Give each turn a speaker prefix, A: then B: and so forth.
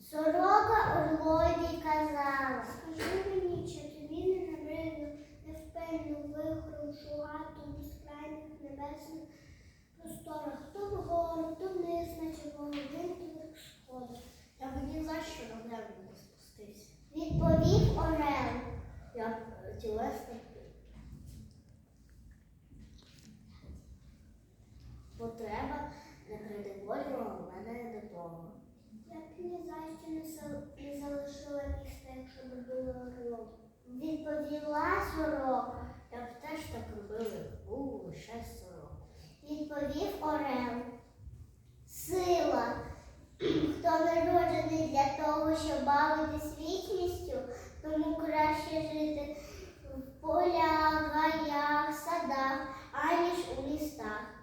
A: Сорока орлові казала: скажи мені, чи тобі не набридло невпинно вихором шугати у безкрайніх небесних просторах, то вгору, то вниз, наче по годинкових сходах.
B: Я б ні за що на землю не спустився.
A: Відповів орел.
B: Я б тілесно потреба не придиволювала мене до того.
A: Я б ні за що не залишила міста, якщо б була орлом. Відповіла сорока.
B: Я б теж так робила, був лише сорок.
A: Відповів орел. Сила. Хто народжений для того, щоб бавитись вічністю, тому краще жити в полях, гаях, садах, аніж у містах.